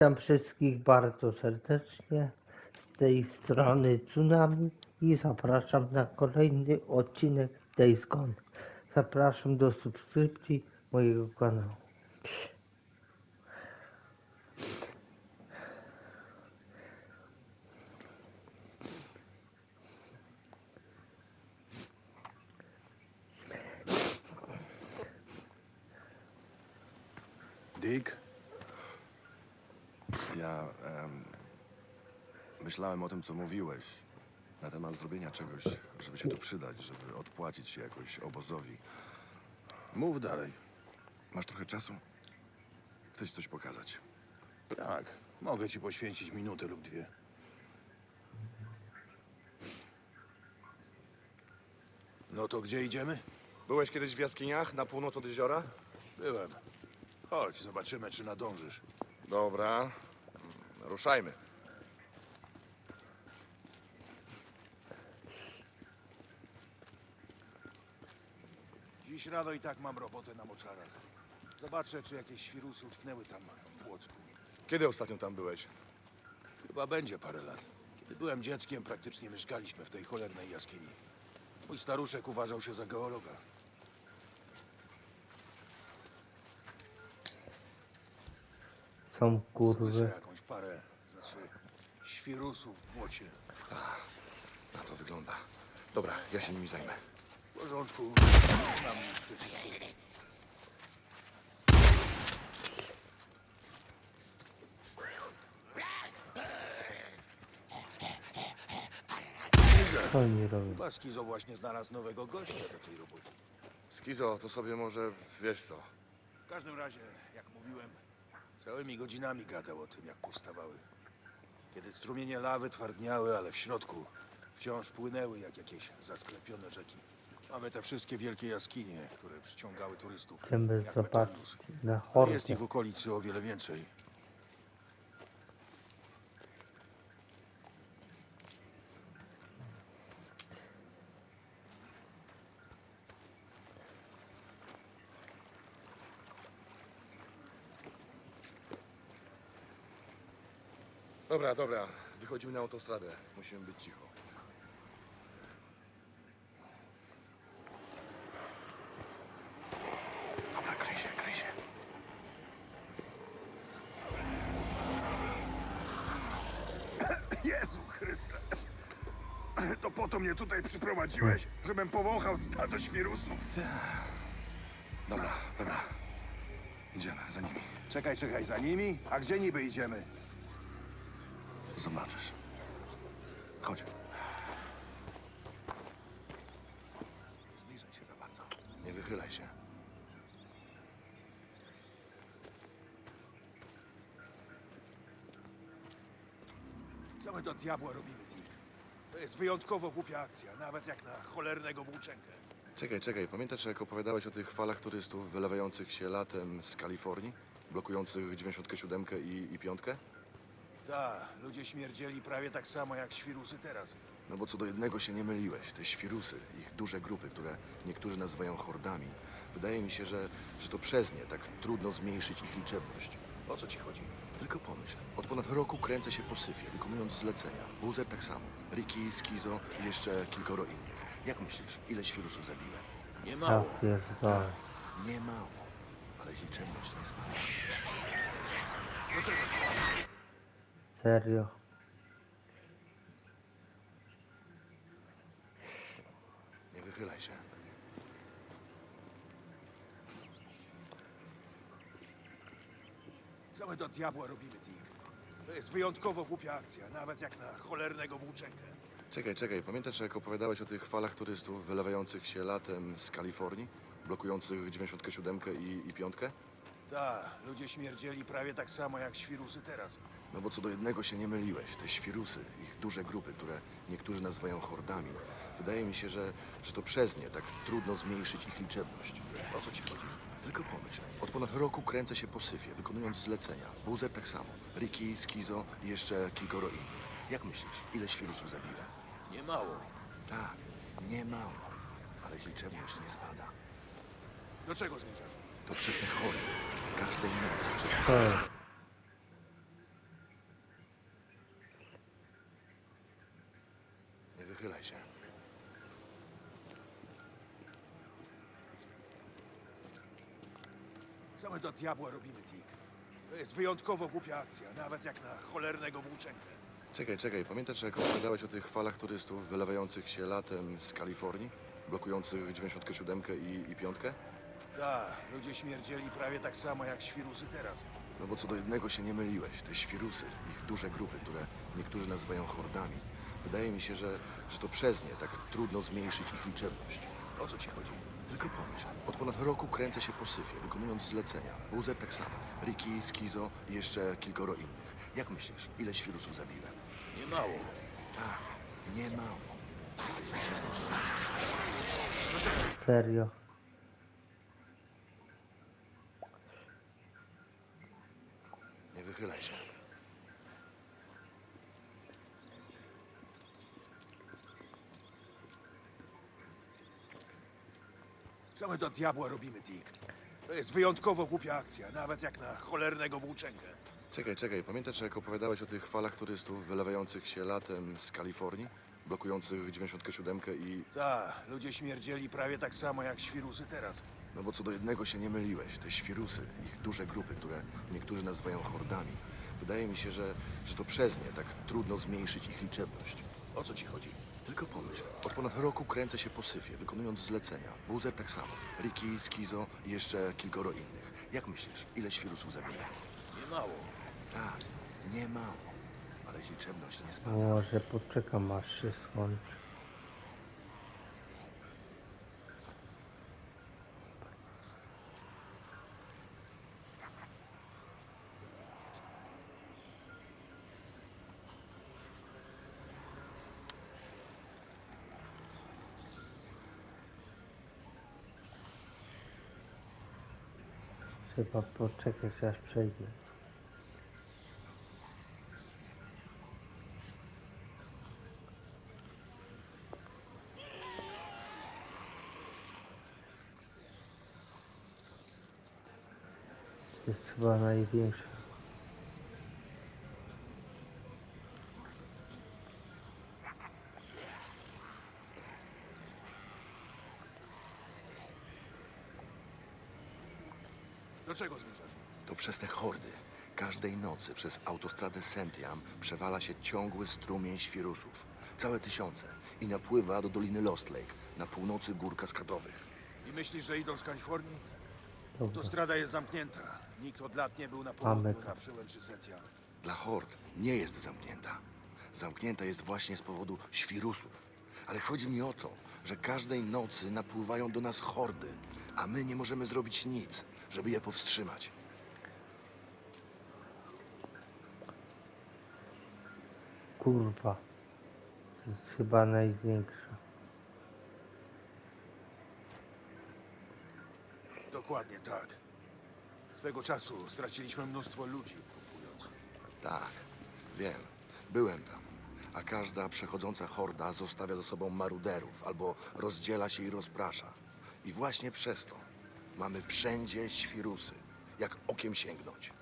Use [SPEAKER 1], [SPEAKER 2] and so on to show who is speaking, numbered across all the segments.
[SPEAKER 1] Witam wszystkich bardzo serdecznie z tej strony Tsunami i zapraszam na kolejny odcinek Days Gone. Zapraszam do subskrypcji mojego kanału.
[SPEAKER 2] Dick?
[SPEAKER 3] Ja myślałem o tym, co mówiłeś na temat zrobienia czegoś, żeby się tu przydać, żeby odpłacić się jakoś obozowi.
[SPEAKER 2] Mów dalej.
[SPEAKER 3] Masz trochę czasu? Chcę ci coś pokazać.
[SPEAKER 2] Tak, mogę ci poświęcić minutę lub dwie. No to gdzie idziemy?
[SPEAKER 3] Byłeś kiedyś w jaskiniach na północ od jeziora?
[SPEAKER 2] Byłem. Chodź, zobaczymy, czy nadążysz.
[SPEAKER 3] Dobra, ruszajmy.
[SPEAKER 2] Dziś rano i tak mam robotę na moczarach. Zobaczę, czy jakieś świrusy utknęły tam w Płocku.
[SPEAKER 3] Kiedy ostatnio tam byłeś?
[SPEAKER 2] Chyba będzie parę lat. Kiedy byłem dzieckiem, praktycznie mieszkaliśmy w tej cholernej jaskini. Mój staruszek uważał się za geologa.
[SPEAKER 1] Są
[SPEAKER 2] Słyszę
[SPEAKER 1] kurwy.
[SPEAKER 2] jakąś parę, znaczy świrusów w błocie.
[SPEAKER 3] Na to wygląda. Dobra, ja się nimi zajmę.
[SPEAKER 2] W porządku. Znam ich wszystkich.
[SPEAKER 1] Co oni robią?
[SPEAKER 2] Chyba Skizo właśnie znalazł nowego gościa do tej roboty.
[SPEAKER 3] Skizo, to sobie może wiesz co.
[SPEAKER 2] W każdym razie, jak mówiłem, całymi godzinami gadał o tym, jak powstawały. Kiedy strumienie lawy twardniały, ale w środku wciąż płynęły jak jakieś zasklepione rzeki. Mamy te wszystkie wielkie jaskinie, które przyciągały turystów.
[SPEAKER 1] Chcemy
[SPEAKER 2] jak
[SPEAKER 1] zobaczyć
[SPEAKER 2] Metellus.
[SPEAKER 1] na
[SPEAKER 2] Jest
[SPEAKER 1] hordę.
[SPEAKER 2] ich w okolicy o wiele więcej.
[SPEAKER 3] Dobra, wychodzimy na autostradę. Musimy być cicho. Dobra, kryj się.
[SPEAKER 2] Jezu Chryste! To po to mnie tutaj przyprowadziłeś, żebym powąchał stado świrusów.
[SPEAKER 3] Dobra. Idziemy za nimi.
[SPEAKER 2] Czekaj, za nimi? A gdzie niby idziemy?
[SPEAKER 3] Zobaczysz. Chodź. Nie zbliżaj się za bardzo. Nie wychylaj się.
[SPEAKER 2] Co my do diabła robimy, Dick? To jest wyjątkowo głupia akcja, nawet jak na cholernego włóczęgę.
[SPEAKER 3] Czekaj. Pamiętasz, jak opowiadałeś o tych falach turystów wylewających się latem z Kalifornii? Blokujących 97 i 5?
[SPEAKER 2] Tak, ludzie śmierdzieli prawie tak samo jak świrusy teraz.
[SPEAKER 3] No bo co do jednego się nie myliłeś. Te świrusy, ich duże grupy, które niektórzy nazywają hordami. Wydaje mi się, że to przez nie tak trudno zmniejszyć ich liczebność.
[SPEAKER 2] O co ci chodzi?
[SPEAKER 3] Tylko pomyśl, od ponad roku kręcę się po syfie, wykonując zlecenia. Boozer tak samo. Ricky, Skizo i jeszcze kilkoro innych. Jak myślisz, ile świrusów zabiłem?
[SPEAKER 2] Nie
[SPEAKER 1] Ja
[SPEAKER 2] mało.
[SPEAKER 1] pierdolę.
[SPEAKER 3] Nie mało, ale ich liczebność nie spada.
[SPEAKER 1] Serio.
[SPEAKER 3] Nie wychylaj się.
[SPEAKER 2] Co my do diabła robimy, Dick? To jest wyjątkowo głupia akcja, nawet jak na cholernego włóczęgę.
[SPEAKER 3] Czekaj. Pamiętasz, jak opowiadałeś o tych falach turystów wylewających się latem z Kalifornii? Blokujących 97 i 5?
[SPEAKER 2] Tak, ludzie śmierdzieli prawie tak samo jak świrusy teraz.
[SPEAKER 3] No bo co do jednego się nie myliłeś. Te świrusy, ich duże grupy, które niektórzy nazywają hordami. Wydaje mi się, że to przez nie tak trudno zmniejszyć ich liczebność.
[SPEAKER 2] O co ci chodzi?
[SPEAKER 3] Tylko pomyśl, od ponad roku kręcę się po syfie, wykonując zlecenia. Boozer tak samo. Ricky, Skizo i jeszcze kilkoro innych. Jak myślisz, ile świrusów zabiłem?
[SPEAKER 2] Nie mało.
[SPEAKER 3] Tak, nie mało, ale ich liczebność nie spada.
[SPEAKER 2] Do czego zmierzasz?
[SPEAKER 3] To przez te chory. Każdej nocy przez
[SPEAKER 1] Co jest?
[SPEAKER 3] wychylaj się.
[SPEAKER 2] Co my do diabła robimy, Dick? To jest wyjątkowo głupia akcja, nawet jak na cholernego włóczęgę.
[SPEAKER 3] Czekaj, pamiętasz, jak opowiadałeś o tych falach turystów wylewających się latem z Kalifornii? Blokujących 97 i 5?
[SPEAKER 2] Tak, ludzie śmierdzieli prawie tak samo jak świrusy teraz.
[SPEAKER 3] No bo co do jednego się nie myliłeś. Te świrusy, ich duże grupy, które niektórzy nazywają hordami. Wydaje mi się, że to przez nie tak trudno zmniejszyć ich liczebność.
[SPEAKER 2] O co ci chodzi?
[SPEAKER 3] Tylko pomyśl, od ponad roku kręcę się po syfie, wykonując zlecenia. Boozer tak samo. Ricky, Skizo i jeszcze kilkoro innych. Jak myślisz, ile świrusów zabiłem?
[SPEAKER 2] Nie mało.
[SPEAKER 3] Tak, nie mało.
[SPEAKER 1] Serio.
[SPEAKER 3] Nie wychylaj się.
[SPEAKER 2] Co my do diabła robimy, Dick? To jest wyjątkowo głupia akcja, nawet jak na cholernego włóczęgę.
[SPEAKER 3] Czekaj, pamiętasz, jak opowiadałeś o tych falach turystów wylewających się latem z Kalifornii? Blokujących 97 i...
[SPEAKER 2] Tak, ludzie śmierdzieli prawie tak samo jak świrusy teraz.
[SPEAKER 3] No bo co do jednego się nie myliłeś. Te świrusy, ich duże grupy, które niektórzy nazywają hordami. Wydaje mi się, że to przez nie tak trudno zmniejszyć ich liczebność.
[SPEAKER 2] O co ci chodzi?
[SPEAKER 3] Tylko pomyśl, od ponad roku kręcę się po syfie, wykonując zlecenia. Boozer tak samo. Ricky, Skizo i jeszcze kilkoro innych. Jak myślisz, ile świrusów zabiłem?
[SPEAKER 2] Nie mało.
[SPEAKER 3] Tak, nie mało. Ale ich liczebność nie spada.
[SPEAKER 1] Może poczekam aż się skończy. Trzeba poczekać aż przejdzie. Jest chyba największa.
[SPEAKER 2] Do czego zmierzasz?
[SPEAKER 3] To przez te hordy. Każdej nocy przez autostradę Sentiam przewala się ciągły strumień świrusów. Całe tysiące. I napływa do Doliny Lost Lake, na północy gór kaskadowych.
[SPEAKER 2] I myślisz, że idą z Kalifornii?
[SPEAKER 1] Dobra.
[SPEAKER 2] Autostrada jest zamknięta. Nikt od lat nie był na
[SPEAKER 1] Mamy
[SPEAKER 2] południu
[SPEAKER 1] to.
[SPEAKER 2] na przełęczy Sentiam.
[SPEAKER 3] Dla hord nie jest zamknięta. Zamknięta jest właśnie z powodu świrusów. Ale chodzi mi o to, że każdej nocy napływają do nas hordy, a my nie możemy zrobić nic, żeby je powstrzymać.
[SPEAKER 1] Kurwa. To jest chyba największa.
[SPEAKER 2] Dokładnie tak. Swego czasu straciliśmy mnóstwo ludzi kupując.
[SPEAKER 3] Tak, wiem. Byłem tam. A każda przechodząca horda zostawia za sobą maruderów albo rozdziela się i rozprasza. I właśnie przez to mamy wszędzie świrusy, jak okiem sięgnąć.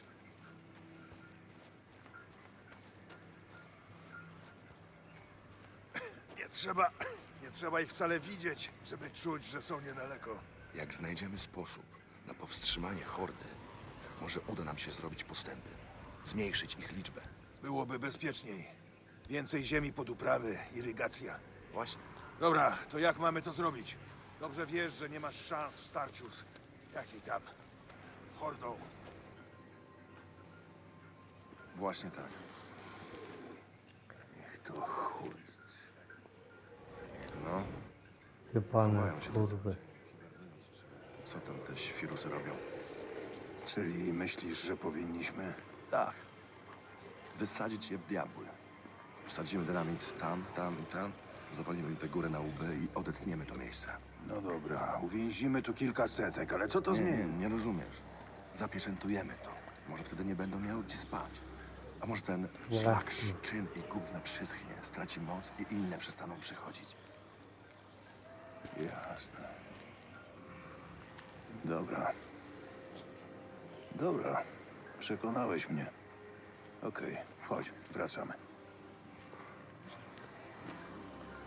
[SPEAKER 2] Nie trzeba ich wcale widzieć, żeby czuć, że są niedaleko.
[SPEAKER 3] Jak znajdziemy sposób na powstrzymanie hordy, może uda nam się zrobić postępy, zmniejszyć ich liczbę.
[SPEAKER 2] Byłoby bezpieczniej. Więcej ziemi pod uprawy, irygacja.
[SPEAKER 3] Właśnie.
[SPEAKER 2] Dobra, to jak mamy to zrobić? Dobrze wiesz, że nie masz szans w starciu z jakiej tam hordą.
[SPEAKER 3] Właśnie tak.
[SPEAKER 2] Niech to chuj.
[SPEAKER 3] No,
[SPEAKER 1] Jebane
[SPEAKER 3] chowają się
[SPEAKER 1] kurwy.
[SPEAKER 3] co tam te świrusy robią?
[SPEAKER 2] Czyli myślisz, że powinniśmy?
[SPEAKER 3] Tak. Wysadzić je w diabły. Wsadzimy dynamit tam, tam i tam. Zawalimy im tę górę na łby i odetniemy to miejsce.
[SPEAKER 2] No dobra, uwięzimy tu kilka setek, ale co to zmieni?
[SPEAKER 3] Nie rozumiesz. Zapieczętujemy to. Może wtedy nie będą miały gdzie spać. A może ten szlak, szczyn i gówna przyschnie, straci moc i inne przestaną przychodzić.
[SPEAKER 2] Jasne. Dobra. Dobra. Przekonałeś mnie. Okej, chodź, wracamy.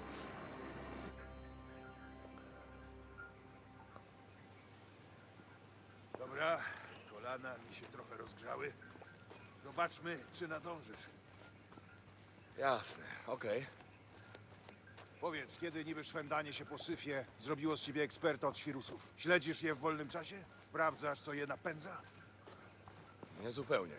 [SPEAKER 2] Zobaczmy, czy nadążysz.
[SPEAKER 3] Jasne, okej.
[SPEAKER 2] Powiedz, kiedy niby szwendanie się po syfie zrobiło z ciebie eksperta od świrusów? Śledzisz je w wolnym czasie? Sprawdzasz, co je napędza?
[SPEAKER 3] Nie zupełnie.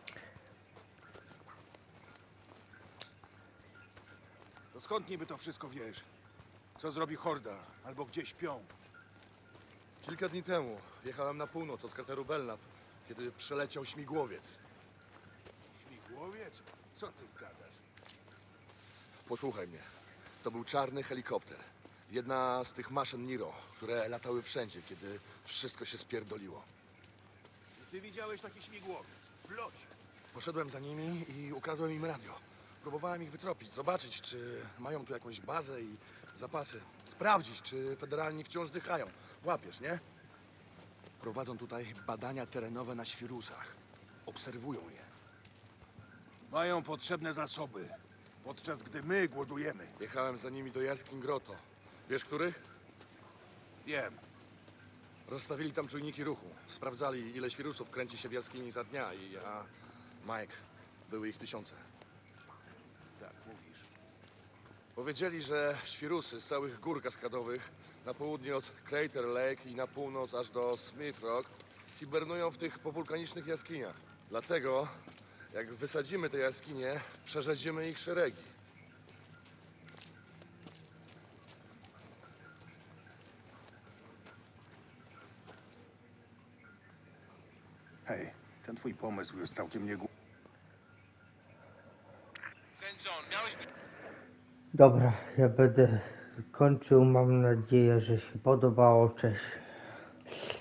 [SPEAKER 2] To skąd niby to wszystko wiesz? Co zrobi horda? Albo gdzie śpią?
[SPEAKER 3] Kilka dni temu jechałem na północ od krateru Belknap, kiedy przeleciał śmigłowiec.
[SPEAKER 2] Śmigłowiec? Co ty gadasz?
[SPEAKER 3] Posłuchaj mnie. To był czarny helikopter. Jedna z tych maszyn Niro, które latały wszędzie, kiedy wszystko się spierdoliło.
[SPEAKER 2] I ty widziałeś taki śmigłowiec? W locie.
[SPEAKER 3] Poszedłem za nimi i ukradłem im radio. Próbowałem ich wytropić, zobaczyć, czy mają tu jakąś bazę i zapasy. Sprawdzić, czy federalni wciąż dychają. Łapiesz, nie? Prowadzą tutaj badania terenowe na świrusach. Obserwują je.
[SPEAKER 2] Mają potrzebne zasoby, podczas gdy my głodujemy.
[SPEAKER 3] Jechałem za nimi do jaskiń Grotto. Wiesz, których?
[SPEAKER 2] Wiem.
[SPEAKER 3] Rozstawili tam czujniki ruchu. Sprawdzali, ile świrusów kręci się w jaskini za dnia i ja... Mike, były ich tysiące.
[SPEAKER 2] Tak mówisz.
[SPEAKER 3] Powiedzieli, że świrusy z całych gór kaskadowych na południe od Crater Lake i na północ aż do Smith Rock hibernują w tych powulkanicznych jaskiniach. Dlatego, jak wysadzimy te jaskinie, przerzedzimy ich szeregi.
[SPEAKER 2] Hej, ten twój pomysł jest całkiem niegłupi.
[SPEAKER 3] St. John, miałeś być...
[SPEAKER 1] Dobra, ja będę kończył. Mam nadzieję, że się podobało. Cześć.